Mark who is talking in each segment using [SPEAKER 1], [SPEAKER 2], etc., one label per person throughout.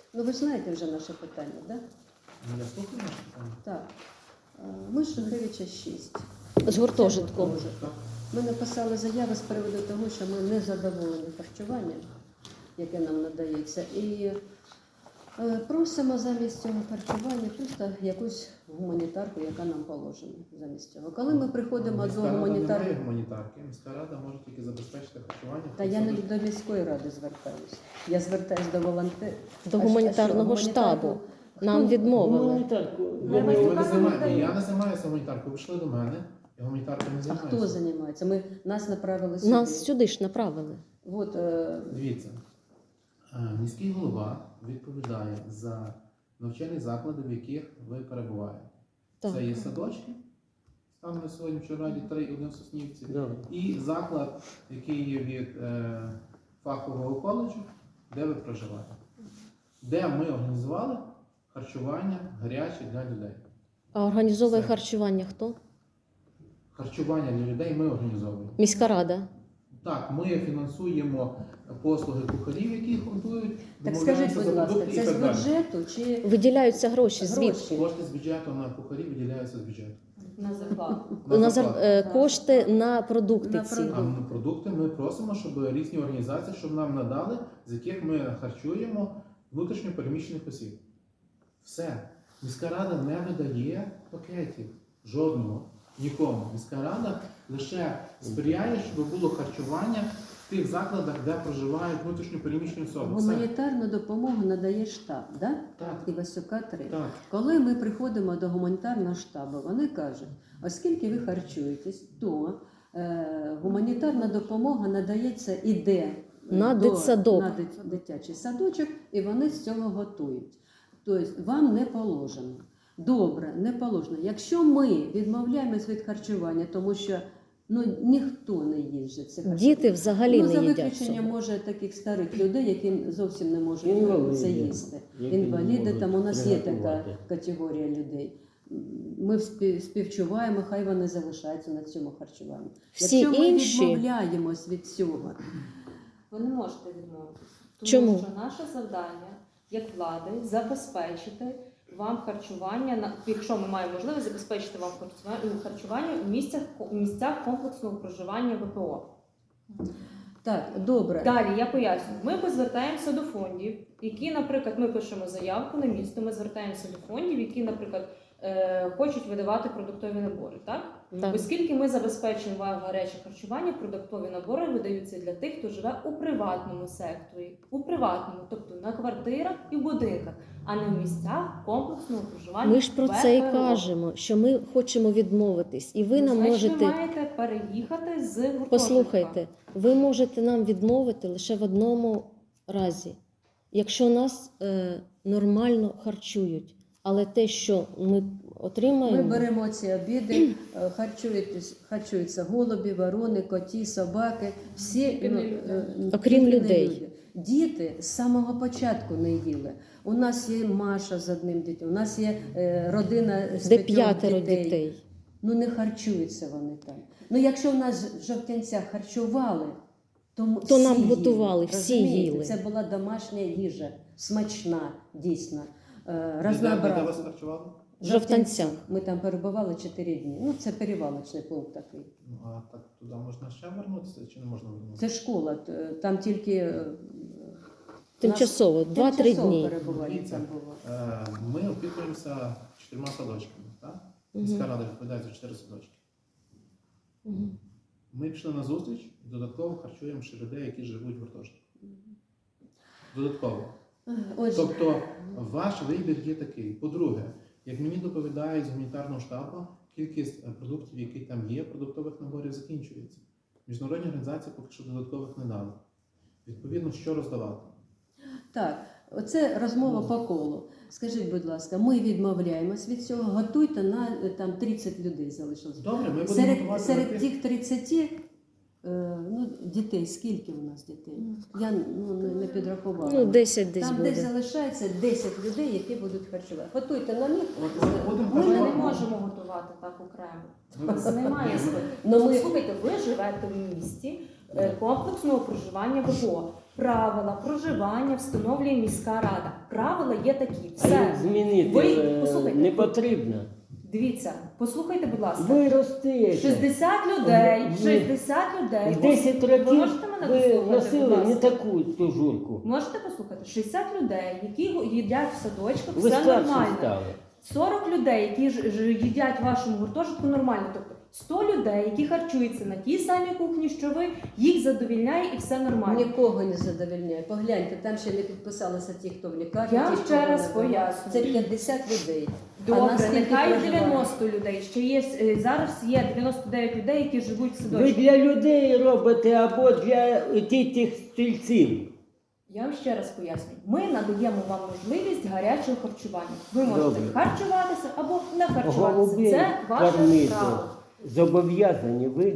[SPEAKER 1] Ну ви знаєте вже наше питання, так? Да?
[SPEAKER 2] Я слухаю наше питання.
[SPEAKER 1] Так. Ми з Шухевича 6.
[SPEAKER 3] З гуртожитком.
[SPEAKER 1] Ми написали заяву з приводу того, що ми не задоволені харчуванням, яке нам надається. І просимо замість цього харчування просто якусь гуманітарку, яка нам положена замість цього. Коли ми приходимо до гуманітарки...
[SPEAKER 2] Немає гуманітарки. Міська рада може тільки забезпечити харчування.
[SPEAKER 1] Та я не до міської ради звертаюся. Я звертаюся до волонтерів.
[SPEAKER 3] До гуманітарного штабу. Нам відмовили.
[SPEAKER 2] Я не займаюся гуманітаркою. Ви йшли до мене, я гуманітаркою не
[SPEAKER 1] А
[SPEAKER 2] займаюся.
[SPEAKER 1] хто займається? Нас направили сюди.
[SPEAKER 3] Нас сюди ж направили.
[SPEAKER 1] Вот,
[SPEAKER 2] Дивіться, міський голова відповідає за навчальні заклади, в яких ви перебуваєте.
[SPEAKER 3] Так.
[SPEAKER 2] Це є садочки, станом на сьогодні в Раді 3-1 в Соснівці, і заклад, який є від фахового коледжу, де ви проживаєте. Де ми організували харчування гаряче для людей.
[SPEAKER 3] А організовує
[SPEAKER 2] Все.
[SPEAKER 3] харчування хто?
[SPEAKER 2] Харчування для людей ми організовуємо.
[SPEAKER 3] Міська рада.
[SPEAKER 2] Так, ми фінансуємо послуги кухарів, які готують.
[SPEAKER 1] так скажіть, будь ласка, це з бюджету чи
[SPEAKER 3] Виділяються гроші. Звідки?
[SPEAKER 2] Кошти з бюджету на кухарів виділяються з бюджету.
[SPEAKER 4] На зарплату.
[SPEAKER 3] Кошти на продукти
[SPEAKER 1] На
[SPEAKER 3] ці.
[SPEAKER 1] продукти.
[SPEAKER 2] А на продукти ми просимо, щоб різні організації, щоб нам надали, з яких ми харчуємо внутрішньо переміщених осіб. Все. Міська рада не видає пакетів. Жодного. Нікому. Міська рада лише сприяє, щоб було харчування в тих закладах, де проживають внутрішньо переміщені особи. Все.
[SPEAKER 1] гуманітарну допомогу надає штаб, да?
[SPEAKER 2] Так.
[SPEAKER 1] Івасюка 3.
[SPEAKER 2] Так.
[SPEAKER 1] Коли ми приходимо до гуманітарного штабу, вони кажуть, оскільки ви харчуєтесь, то гуманітарна допомога надається іде
[SPEAKER 3] На дитсадок.
[SPEAKER 1] на дитячий садочок, і вони з цього готують. Тобто вам не положено. Добре, не положено. Якщо ми відмовляємось від харчування, тому що ніхто не їсть це харчування.
[SPEAKER 3] Діти взагалі
[SPEAKER 1] за
[SPEAKER 3] не їдять
[SPEAKER 1] виключенням,
[SPEAKER 3] цього.
[SPEAKER 1] може, таких старих людей, які зовсім не можуть
[SPEAKER 5] Інваліди.
[SPEAKER 1] це їсти.
[SPEAKER 5] Які не
[SPEAKER 1] Інваліди,
[SPEAKER 5] можуть
[SPEAKER 1] там у нас є така
[SPEAKER 5] приготувати.
[SPEAKER 1] категорія людей. Ми співчуваємо, хай вони залишаються на цьому харчуванні.
[SPEAKER 3] Всі
[SPEAKER 1] Якщо ми
[SPEAKER 3] інші-
[SPEAKER 1] відмовляємось від цього,
[SPEAKER 4] Ви не можете відмовитися. Тому
[SPEAKER 3] Чому?
[SPEAKER 4] що наше завдання, як влади, забезпечити вам харчування, якщо ми маємо можливість забезпечити вам харчування у місцях комплексного проживання ВПО.
[SPEAKER 1] так, добре.
[SPEAKER 4] Далі я поясню. Ми звертаємося до фондів, які, наприклад, ми пишемо заявку на місто, ми звертаємося до фондів, які, наприклад, хочуть видавати продуктові набори. Так?
[SPEAKER 3] Так.
[SPEAKER 4] Оскільки ми забезпечуємо вам гаряче харчування, продуктові набори видаються для тих, хто живе у приватному секторі. У приватному, тобто на квартирах і в будинках, а не в місцях комплексного проживання.
[SPEAKER 3] Ми ж про це і
[SPEAKER 4] ВПО.
[SPEAKER 3] кажемо, що ми хочемо відмовитись. І ви нам
[SPEAKER 4] Значить,
[SPEAKER 3] можете...
[SPEAKER 4] ви маєте переїхати з гуртожитка.
[SPEAKER 3] Послухайте, ви можете нам відмовити лише в одному разі. Якщо нас нормально харчують. Але те, що ми отримаємо...
[SPEAKER 1] Ми беремо ці обіди, харчуються голуби, ворони, коті, собаки, всі,
[SPEAKER 3] Окрім
[SPEAKER 1] тільки не
[SPEAKER 3] людей.
[SPEAKER 1] люди. Діти з самого початку не їли. У нас є Маша з одним дітям, у нас є родина з
[SPEAKER 3] Де
[SPEAKER 1] 5
[SPEAKER 3] 5 дітей.
[SPEAKER 1] Ну не харчуються вони там. Ну якщо в нас в Жовтянцях харчували, то всі
[SPEAKER 3] нам
[SPEAKER 1] їли,
[SPEAKER 3] готували, всі
[SPEAKER 1] розумієте?
[SPEAKER 3] їли.
[SPEAKER 1] Це була домашня їжа, смачна, дійсно,
[SPEAKER 2] Де
[SPEAKER 1] разнообразна.
[SPEAKER 2] вас харчували?
[SPEAKER 3] В Жовтанцях.
[SPEAKER 1] Ми там перебували 4 дні. Ну, це перевалочний пункт такий.
[SPEAKER 2] Ну, а так туди можна ще вернутися чи не можна вернутися?
[SPEAKER 1] Це школа, там тільки
[SPEAKER 3] Тимчасово, 2-3 дні.
[SPEAKER 1] перебування
[SPEAKER 2] Дивіться,
[SPEAKER 1] там було.
[SPEAKER 2] Ми опікуємося 4 садочками. Так? Міська рада відповідає за 4 садочки.
[SPEAKER 3] Мгм.
[SPEAKER 2] Ми пішли на зустріч і додатково харчуємо ще людей, які живуть в гуртожитку. Додатково.
[SPEAKER 1] Отже,
[SPEAKER 2] Тобто ваш вибір є такий. По-друге, як мені доповідають з гуманітарного штабу, кількість продуктів, які там є, продуктових наборів закінчується. Міжнародні організації поки що додаткових не дали. Відповідно, що роздавати?
[SPEAKER 1] так, оце розмова по колу. Скажіть, будь ласка, ми відмовляємось від цього, готуйте на там 30 людей залишилось.
[SPEAKER 2] Добре, ми будемо
[SPEAKER 1] Серед
[SPEAKER 2] готувати на тих.
[SPEAKER 1] тих 30 дітей, скільки у нас дітей? Я не підрахувала.
[SPEAKER 3] Ну, 10 десь
[SPEAKER 1] Там десь
[SPEAKER 3] буде.
[SPEAKER 1] залишається 10 людей, які будуть харчувати. Готуйте на них.
[SPEAKER 2] Будемо
[SPEAKER 4] Ми не
[SPEAKER 2] харчувати.
[SPEAKER 4] можемо готувати так окремо.
[SPEAKER 2] Ми-
[SPEAKER 4] Це немає
[SPEAKER 2] Ні,
[SPEAKER 4] смислу.
[SPEAKER 1] Ну, ми-
[SPEAKER 4] Слухайте, ви живете в місті комплексного проживання ВПО. Правила проживання встановлює міська рада. Правила є такі.
[SPEAKER 5] А їх
[SPEAKER 4] Все.
[SPEAKER 5] змінити
[SPEAKER 4] Ви послухайте.
[SPEAKER 5] не потрібно.
[SPEAKER 4] Дивіться, послухайте, будь ласка.
[SPEAKER 5] Ви ростете.
[SPEAKER 4] 60 людей,
[SPEAKER 5] Ви-
[SPEAKER 4] 60 людей.
[SPEAKER 5] В 10
[SPEAKER 4] Ви
[SPEAKER 5] років
[SPEAKER 4] можете мене
[SPEAKER 5] ви
[SPEAKER 4] послухати, будь
[SPEAKER 5] носили
[SPEAKER 4] ласка?
[SPEAKER 5] не таку тужурку.
[SPEAKER 4] Можете послухати? 60 людей, які їдять в садочках,
[SPEAKER 5] Ви
[SPEAKER 4] все
[SPEAKER 5] старші
[SPEAKER 4] нормально.
[SPEAKER 5] стали.
[SPEAKER 4] 40 людей, які їдять в вашому гуртожитку, нормально. Тобто 100 людей, які харчуються на тій самій кухні, що ви, їх задовільняє і все нормально.
[SPEAKER 1] Нікого не задовільняє. Погляньте, там ще не підписалися ті, хто в лікарні.
[SPEAKER 4] Я
[SPEAKER 1] ті,
[SPEAKER 4] ще
[SPEAKER 1] хто
[SPEAKER 4] раз
[SPEAKER 1] не було.
[SPEAKER 4] пояснюю.
[SPEAKER 1] Це 50 людей. А
[SPEAKER 4] Добре,
[SPEAKER 1] наскільки
[SPEAKER 4] нехай
[SPEAKER 1] проживає?
[SPEAKER 4] 90 людей. Ще є зараз є 99 людей, які живуть в
[SPEAKER 5] Ви
[SPEAKER 4] садочку.
[SPEAKER 5] для людей робите або для тих стільців.
[SPEAKER 4] Я вам ще раз пояснюю. Ми надаємо вам можливість гарячого харчування. Ви можете
[SPEAKER 5] Добре.
[SPEAKER 4] харчуватися або не харчуватися.
[SPEAKER 5] Голубей
[SPEAKER 4] Це ваше
[SPEAKER 5] кормити.
[SPEAKER 4] право.
[SPEAKER 5] Зобов'язані ви.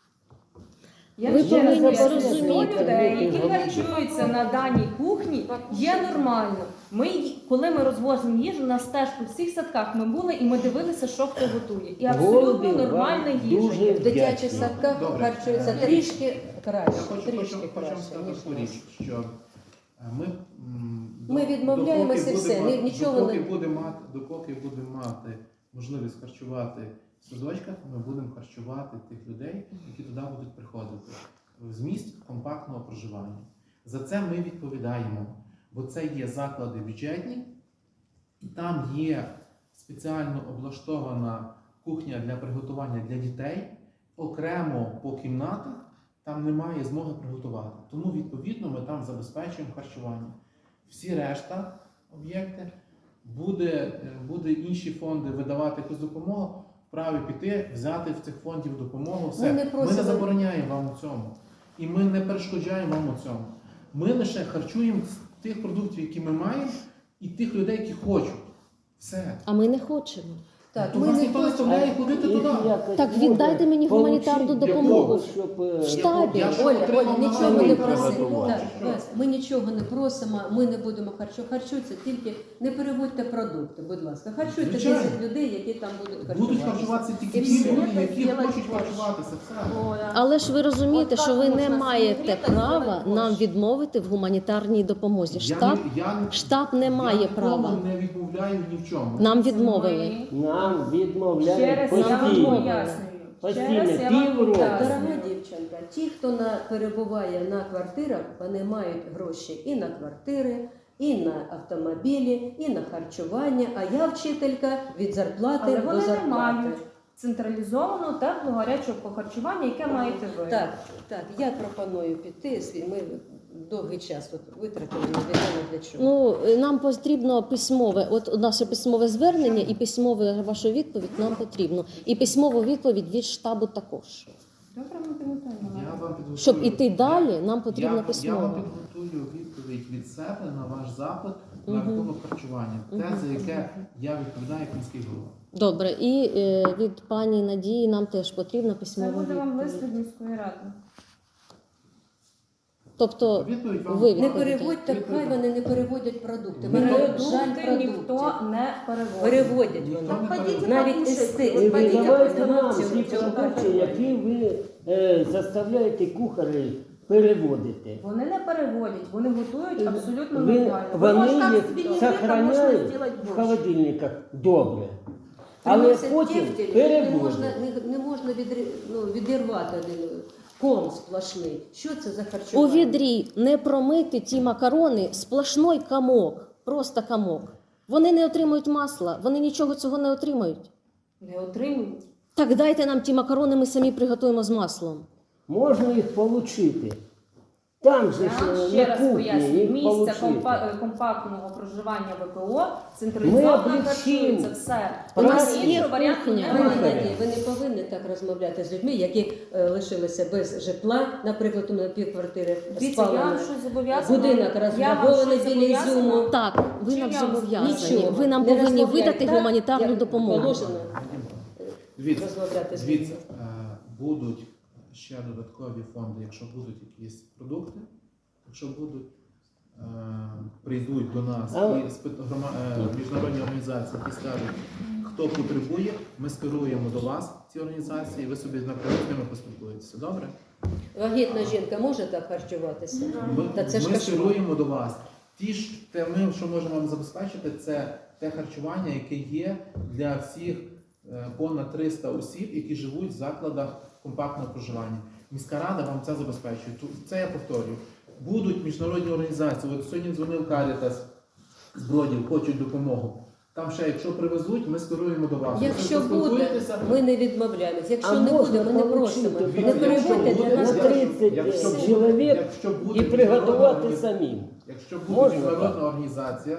[SPEAKER 4] Я
[SPEAKER 3] Ви
[SPEAKER 4] ще раз
[SPEAKER 3] повинні
[SPEAKER 4] поясню,
[SPEAKER 3] порозуміти.
[SPEAKER 4] 100 людей, які
[SPEAKER 5] Голубей.
[SPEAKER 4] харчуються на даній кухні, є нормально. Коли ми розвозимо їжу, у нас теж по всіх садках ми були і ми дивилися, що хто готує. І абсолютно
[SPEAKER 5] Голуби вам
[SPEAKER 4] нормальна їжа.
[SPEAKER 5] дуже
[SPEAKER 4] є.
[SPEAKER 1] В дитячих
[SPEAKER 5] Вдячні.
[SPEAKER 1] садках
[SPEAKER 2] Добре.
[SPEAKER 1] харчуються трішки краще.
[SPEAKER 2] Я хочу
[SPEAKER 1] Трішки
[SPEAKER 2] вам
[SPEAKER 1] краще,
[SPEAKER 2] сказати
[SPEAKER 1] ніж
[SPEAKER 2] таку
[SPEAKER 1] у нас.
[SPEAKER 2] річ, що ми,
[SPEAKER 1] Ми відмовляємося і все, нічого не-
[SPEAKER 2] Допоки будемо мати можливість харчувати в садочках, ми будемо харчувати тих людей, які туди будуть приходити. В зміст компактного проживання. За це ми відповідаємо, бо це є заклади бюджетні, там є спеціально облаштована кухня для приготування для дітей, окремо по кімнатах там немає змоги приготувати. Тому, відповідно, ми там забезпечуємо харчування. Всі решта об'єкти буде інші фонди видавати якусь допомогу, вправі піти, взяти в цих фондів допомогу. Все.
[SPEAKER 1] Ми не
[SPEAKER 2] Ми
[SPEAKER 1] просимо-
[SPEAKER 2] не забороняємо вам у цьому. І ми не перешкоджаємо вам у цьому. Ми лише харчуємо з тих продуктів, які ми маємо, і тих людей, які хочуть. Все.
[SPEAKER 3] А ми не хочемо.
[SPEAKER 1] Так,
[SPEAKER 2] То
[SPEAKER 1] ми
[SPEAKER 2] вас
[SPEAKER 1] не
[SPEAKER 2] ніхто не
[SPEAKER 1] хочемо.
[SPEAKER 2] заставляє ходити туди.
[SPEAKER 3] Так віддайте мені гуманітарну допомогу.
[SPEAKER 5] В
[SPEAKER 3] штабі.
[SPEAKER 2] Я
[SPEAKER 1] Оля,
[SPEAKER 2] отримав
[SPEAKER 1] нічого
[SPEAKER 2] на
[SPEAKER 1] не
[SPEAKER 5] мене
[SPEAKER 1] просимо.
[SPEAKER 5] приготувати.
[SPEAKER 1] Так, Вась, ми нічого не просимо, ми не будемо харчуватися, тільки не переводьте продукти, будь ласка. Харчуйте
[SPEAKER 2] Звичайно.
[SPEAKER 1] 10 людей, які там будуть харчуватися.
[SPEAKER 2] Будуть харчуватися тільки
[SPEAKER 1] І
[SPEAKER 2] ті
[SPEAKER 1] все.
[SPEAKER 2] люди, які
[SPEAKER 1] Зробити
[SPEAKER 2] хочуть
[SPEAKER 1] борщ.
[SPEAKER 2] харчуватися. Все.
[SPEAKER 3] Але ж ви розумієте,
[SPEAKER 1] От
[SPEAKER 3] що ви
[SPEAKER 1] так
[SPEAKER 3] не
[SPEAKER 1] можна
[SPEAKER 3] маєте
[SPEAKER 1] зігріти,
[SPEAKER 3] права
[SPEAKER 1] зробити
[SPEAKER 3] нам
[SPEAKER 1] борщ.
[SPEAKER 3] відмовити в гуманітарній допомозі. Штаб не має
[SPEAKER 2] я
[SPEAKER 3] права.
[SPEAKER 2] нікому не відмовляю ні в чому.
[SPEAKER 3] Нам відмовили.
[SPEAKER 5] Нам
[SPEAKER 4] Ще
[SPEAKER 5] відмовляють
[SPEAKER 4] раз я вам
[SPEAKER 5] постійно.
[SPEAKER 4] пояснюю. Ще
[SPEAKER 5] Постійно,
[SPEAKER 4] раз я вам
[SPEAKER 5] півроку.
[SPEAKER 1] Дорога
[SPEAKER 4] пояснюю.
[SPEAKER 1] дівчинка, ті, хто перебуває на квартирах, вони мають гроші і на квартири, і на автомобілі, і на харчування. А я вчителька від зарплати
[SPEAKER 4] Але
[SPEAKER 1] до
[SPEAKER 4] вони не
[SPEAKER 1] зарплати.
[SPEAKER 4] мають централізованого теплого гарячого харчування, яке маєте ви.
[SPEAKER 1] Так, я пропоную піти. Ми довгий час тут витратили, невідомо для чого.
[SPEAKER 3] Ну, нам потрібно письмове, от наше письмове звернення і письмове вашу відповідь нам потрібно. І письмову відповідь від штабу також.
[SPEAKER 4] Добре, ми підготуємо.
[SPEAKER 2] Я вам підготую-
[SPEAKER 3] Щоб іти далі, нам потрібно
[SPEAKER 2] Я
[SPEAKER 3] письмово.
[SPEAKER 2] вам підготую відповідь від себе на ваш запит на рахунок харчування. Те, за яке я відповідаю як міський голова.
[SPEAKER 3] Добре, і від пані Надії нам теж потрібна
[SPEAKER 4] Це
[SPEAKER 3] письмова
[SPEAKER 4] буде вам лист
[SPEAKER 3] відповідь.
[SPEAKER 4] від міської ради.
[SPEAKER 3] Тобто
[SPEAKER 2] Відповідь вам
[SPEAKER 3] ви
[SPEAKER 1] Не
[SPEAKER 3] відповідайте.
[SPEAKER 1] переводьте, хай вони не переводять продукти.
[SPEAKER 2] Ми
[SPEAKER 1] Мене
[SPEAKER 4] Продукти
[SPEAKER 1] жаль
[SPEAKER 4] ніхто
[SPEAKER 1] продуктів.
[SPEAKER 4] не переводить.
[SPEAKER 1] Переводять
[SPEAKER 2] Ніхто
[SPEAKER 1] вони.
[SPEAKER 2] не переводить.
[SPEAKER 1] Навіть естети.
[SPEAKER 5] Ви видавайте
[SPEAKER 1] Нема
[SPEAKER 5] нам
[SPEAKER 1] в цьому
[SPEAKER 5] ті
[SPEAKER 1] цього
[SPEAKER 5] продукти,
[SPEAKER 1] харчування.
[SPEAKER 5] які ви заставляєте кухарів переводити.
[SPEAKER 4] Вони не переводять, вони готують абсолютно
[SPEAKER 5] Ви,
[SPEAKER 4] нормально.
[SPEAKER 5] вони
[SPEAKER 6] там
[SPEAKER 5] їх
[SPEAKER 6] собі не
[SPEAKER 5] сохраняють
[SPEAKER 6] можна зробити
[SPEAKER 5] в
[SPEAKER 6] борщ.
[SPEAKER 5] холодильниках добре. Але
[SPEAKER 1] Приносять
[SPEAKER 5] потім
[SPEAKER 1] тефтель, не
[SPEAKER 5] переводять.
[SPEAKER 1] можна, не можна відірвати один ком сплошний. Що це за
[SPEAKER 3] У
[SPEAKER 1] харчування?
[SPEAKER 3] відрі не промити ті макарони, сплошной комок, просто комок. Вони не отримують масла, вони нічого цього не отримають.
[SPEAKER 4] Не отримують.
[SPEAKER 3] Так дайте нам ті макарони, ми самі приготуємо з маслом.
[SPEAKER 5] Можна їх отримати. Там же
[SPEAKER 4] Я
[SPEAKER 5] ж
[SPEAKER 4] вам ще
[SPEAKER 5] на
[SPEAKER 4] раз
[SPEAKER 5] кухні
[SPEAKER 4] пояснюю,
[SPEAKER 5] їх
[SPEAKER 4] місця
[SPEAKER 5] отримати.
[SPEAKER 4] компактного проживання ВПО централізовано
[SPEAKER 5] облегчимо.
[SPEAKER 4] харчується все.
[SPEAKER 3] У нас
[SPEAKER 4] Іншого
[SPEAKER 3] є
[SPEAKER 4] варіанту
[SPEAKER 3] кухня.
[SPEAKER 1] Пані
[SPEAKER 4] немає.
[SPEAKER 1] Надія, ви не повинні так розмовляти з людьми, які лишилися без житла, наприклад, у мене півквартири
[SPEAKER 4] Дивіться, я
[SPEAKER 1] спалено.
[SPEAKER 4] вам щось зобов'язана.
[SPEAKER 1] Будинок розграбований біля Ізюму.
[SPEAKER 3] Так, ви
[SPEAKER 4] Чим
[SPEAKER 3] нам
[SPEAKER 4] я вам
[SPEAKER 3] зобов'язані.
[SPEAKER 1] Нічого.
[SPEAKER 3] Ви нам
[SPEAKER 1] Не
[SPEAKER 3] повинні
[SPEAKER 1] розмовляйте
[SPEAKER 3] видати
[SPEAKER 1] так,
[SPEAKER 3] гуманітарну
[SPEAKER 1] як
[SPEAKER 3] допомогу.
[SPEAKER 1] положено
[SPEAKER 2] Дивіться,
[SPEAKER 1] розмовляти з
[SPEAKER 2] дивіться,
[SPEAKER 1] людьми.
[SPEAKER 2] будуть ще додаткові фонди, якщо будуть якісь продукти, якщо будуть, прийдуть до нас
[SPEAKER 5] Але-
[SPEAKER 2] і міжнародні організації, які скажуть, хто потребує, ми скеруємо до вас ці організації, і ви собі напряму з ними поспілкуєтеся. Добре?
[SPEAKER 1] Вагітна жінка може так харчуватися? Та це ж
[SPEAKER 2] Ми
[SPEAKER 1] кошмар.
[SPEAKER 2] скеруємо до вас. Ми, що можемо вам забезпечити, це те харчування, яке є для всіх понад 300 осіб, які живуть в закладах компактного проживання. Міська рада вам це забезпечує. Це я повторюю. Будуть міжнародні організації. От сьогодні дзвонив Карітас з Бродів, хочуть допомогу. Там ще, якщо привезуть, ми скеруємо до вас.
[SPEAKER 1] Якщо
[SPEAKER 2] ви
[SPEAKER 1] буде,
[SPEAKER 2] поспілкуєтеся,
[SPEAKER 1] ми не відмовляємось. Якщо
[SPEAKER 5] А
[SPEAKER 1] не
[SPEAKER 5] можна
[SPEAKER 1] буде, ми не
[SPEAKER 5] получити?
[SPEAKER 1] просимо.
[SPEAKER 2] Дивіться,
[SPEAKER 1] Не переводьте для нас.
[SPEAKER 5] на 30
[SPEAKER 2] якщо
[SPEAKER 5] чоловік
[SPEAKER 2] якщо буде
[SPEAKER 5] і приготувати
[SPEAKER 2] міжнародна
[SPEAKER 5] самим.
[SPEAKER 2] Якщо буде
[SPEAKER 5] Можна
[SPEAKER 2] міжнародна організація,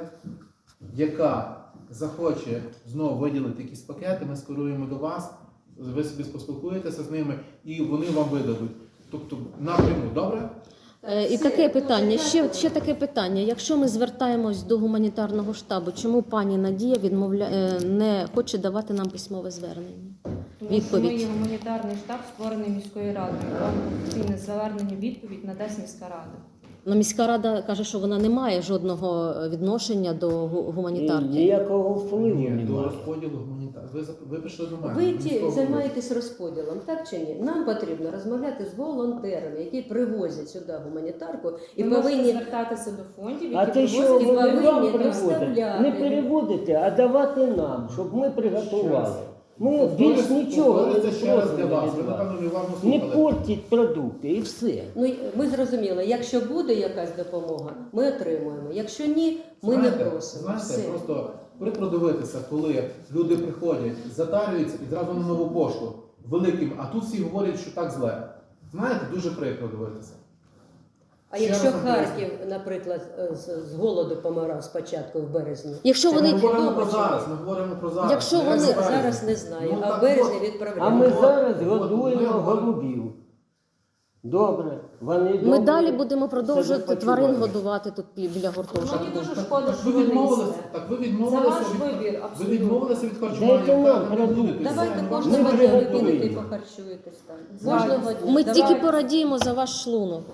[SPEAKER 2] яка захоче знову виділити якісь пакети, ми скеруємо до вас, ви собі поспілкуєтеся з ними і вони вам видадуть. Тобто напряму, добре?
[SPEAKER 3] І таке питання, ще таке питання. Якщо ми звертаємось до гуманітарного штабу, чому пані Надія не хоче давати нам письмове звернення?
[SPEAKER 4] Тому що
[SPEAKER 3] Відповідь.
[SPEAKER 4] ми є гуманітарний штаб, створений міською радою. Вам офіційне звернення відповідь надасть міська рада.
[SPEAKER 3] Ну, міська рада каже, що вона не має жодного відношення до гуманітарки.
[SPEAKER 5] Ніякого впливу
[SPEAKER 2] Ні, до
[SPEAKER 5] немає.
[SPEAKER 2] розподілу гуманітарної. Ви прийшли до мене.
[SPEAKER 1] Ви
[SPEAKER 2] міського
[SPEAKER 1] займаєтесь розподілом, так чи ні? Нам потрібно розмовляти з волонтерами, які привозять сюди гуманітарку і
[SPEAKER 4] Ви можете
[SPEAKER 1] повинні
[SPEAKER 4] звертатися до фондів,
[SPEAKER 5] А
[SPEAKER 4] які
[SPEAKER 5] те, що
[SPEAKER 4] привозять
[SPEAKER 1] і
[SPEAKER 5] вони
[SPEAKER 1] повинні
[SPEAKER 5] вам приводять,
[SPEAKER 1] доставляти.
[SPEAKER 5] не переводите, а давати нам, щоб ми приготували. Ми
[SPEAKER 2] Повторюю,
[SPEAKER 5] більш нічого не
[SPEAKER 2] повторюю це ще раз для
[SPEAKER 5] просимо
[SPEAKER 2] вас. Ви,
[SPEAKER 5] від вас.
[SPEAKER 2] напевно, не уважно
[SPEAKER 5] Не
[SPEAKER 2] слухали.
[SPEAKER 5] портіть продукти і все.
[SPEAKER 1] Ну, ми зрозуміли, якщо буде якась допомога, ми отримуємо. Якщо ні, ми не просимо.
[SPEAKER 2] Знаєте,
[SPEAKER 1] Все.
[SPEAKER 2] просто прикро дивитися, коли люди приходять, затарюються і зразу на нову пошту великим, а тут всі говорять, що так зле. Знаєте, дуже прикро дивитися.
[SPEAKER 1] А
[SPEAKER 2] Ще
[SPEAKER 1] якщо
[SPEAKER 2] раз
[SPEAKER 1] Харків, наприклад, з голоду помирав спочатку в березні,
[SPEAKER 3] Якщо
[SPEAKER 2] Ми
[SPEAKER 3] вони
[SPEAKER 2] говоримо
[SPEAKER 1] добре,
[SPEAKER 2] про
[SPEAKER 1] чи
[SPEAKER 2] зараз,
[SPEAKER 1] ні?
[SPEAKER 2] ми говоримо про зараз.
[SPEAKER 3] Якщо
[SPEAKER 2] Не
[SPEAKER 3] вони-
[SPEAKER 2] в березні.
[SPEAKER 1] зараз не знаю,
[SPEAKER 2] Ну,
[SPEAKER 1] а
[SPEAKER 2] так
[SPEAKER 1] в березні
[SPEAKER 2] от.
[SPEAKER 5] А
[SPEAKER 1] відправляємо.
[SPEAKER 5] ми
[SPEAKER 2] от,
[SPEAKER 5] зараз
[SPEAKER 2] от,
[SPEAKER 5] годуємо
[SPEAKER 2] ми говоримо.
[SPEAKER 5] голубів. Добре. Вони
[SPEAKER 3] ми
[SPEAKER 5] добре
[SPEAKER 3] далі будемо
[SPEAKER 5] себе
[SPEAKER 3] продовжувати
[SPEAKER 5] почувають.
[SPEAKER 3] тварин годувати тут біля гуртожитку.
[SPEAKER 4] Мені дуже
[SPEAKER 2] Так,
[SPEAKER 4] шкода,
[SPEAKER 2] так
[SPEAKER 4] що
[SPEAKER 2] ви
[SPEAKER 4] ви не
[SPEAKER 2] відмовилися,
[SPEAKER 4] їсте.
[SPEAKER 2] так ви
[SPEAKER 4] Це
[SPEAKER 2] відмовилися
[SPEAKER 4] ваш
[SPEAKER 2] від
[SPEAKER 4] вибір,
[SPEAKER 2] ви
[SPEAKER 4] абсолютно.
[SPEAKER 2] відмовилися від харчування.
[SPEAKER 5] Дайте нам
[SPEAKER 2] так, не
[SPEAKER 5] продукти.
[SPEAKER 2] будете.
[SPEAKER 1] Давайте
[SPEAKER 2] Все,
[SPEAKER 1] кожного
[SPEAKER 5] ми
[SPEAKER 1] дня ви
[SPEAKER 5] приготуємо.
[SPEAKER 1] підете і похарчуєтесь там.
[SPEAKER 4] Давайте.
[SPEAKER 1] Кожного дня.
[SPEAKER 3] Ми
[SPEAKER 1] Давайте.
[SPEAKER 3] тільки порадіємо за ваш шлунок.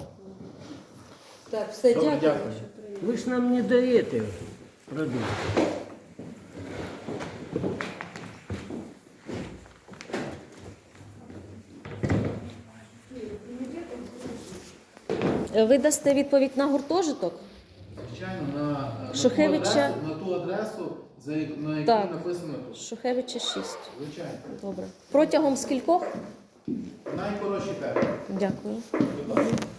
[SPEAKER 1] Так, все,
[SPEAKER 2] Добре,
[SPEAKER 1] дякую.
[SPEAKER 2] дякую.
[SPEAKER 1] що прийняли.
[SPEAKER 5] Ви ж нам не даєте продукти.
[SPEAKER 3] Ви дасте відповідь на гуртожиток?
[SPEAKER 2] Звичайно,
[SPEAKER 3] Шухевича-
[SPEAKER 2] на ту адресу, на якій
[SPEAKER 3] Так.
[SPEAKER 2] написано тут.
[SPEAKER 3] Шухевича 6.
[SPEAKER 2] Звичайно.
[SPEAKER 3] Добре. Протягом скількох?
[SPEAKER 2] Найкоротші терміни.
[SPEAKER 3] Дякую.
[SPEAKER 2] Будь ласка.